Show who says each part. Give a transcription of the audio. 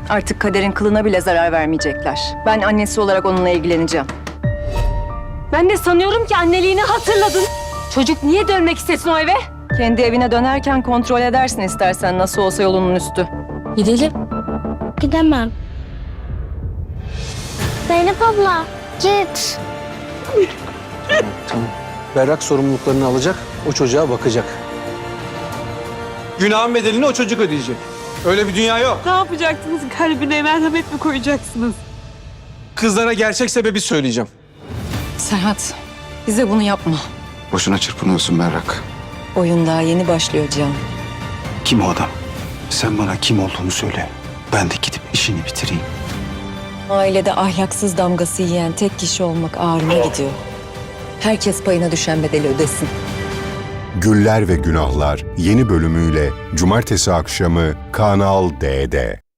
Speaker 1: Artık Kader'in kılına bile zarar vermeyecekler. Ben annesi olarak onunla ilgileneceğim.
Speaker 2: Ben de sanıyorum ki anneliğini hatırladın. Çocuk niye dönmek istesin o eve?
Speaker 1: Kendi evine dönerken kontrol edersin istersen, nasıl olsa yolunun üstü.
Speaker 2: Gidelim.
Speaker 3: Gidemem. Zeynep abla git.
Speaker 4: Tamam. Berrak sorumluluklarını alacak, o çocuğa bakacak. Günahın bedelini o çocuk ödeyecek. Öyle bir dünya yok.
Speaker 5: Ne yapacaksınız? Kalbine merhamet mi koyacaksınız?
Speaker 4: Kızlara gerçek sebebi söyleyeceğim.
Speaker 1: Serhat, bize bunu yapma.
Speaker 6: Boşuna çırpınıyorsun Berrak.
Speaker 1: Oyun daha yeni başlıyor Can.
Speaker 6: Kim o adam? Sen bana kim olduğunu söyle. Ben de gidip işini bitireyim.
Speaker 1: Ailede ahlaksız damgası yiyen tek kişi olmak ağrıma gidiyor. Herkes payına düşen bedeli ödesin.
Speaker 7: Güller ve Günahlar yeni bölümüyle Cumartesi akşamı Kanal D'de.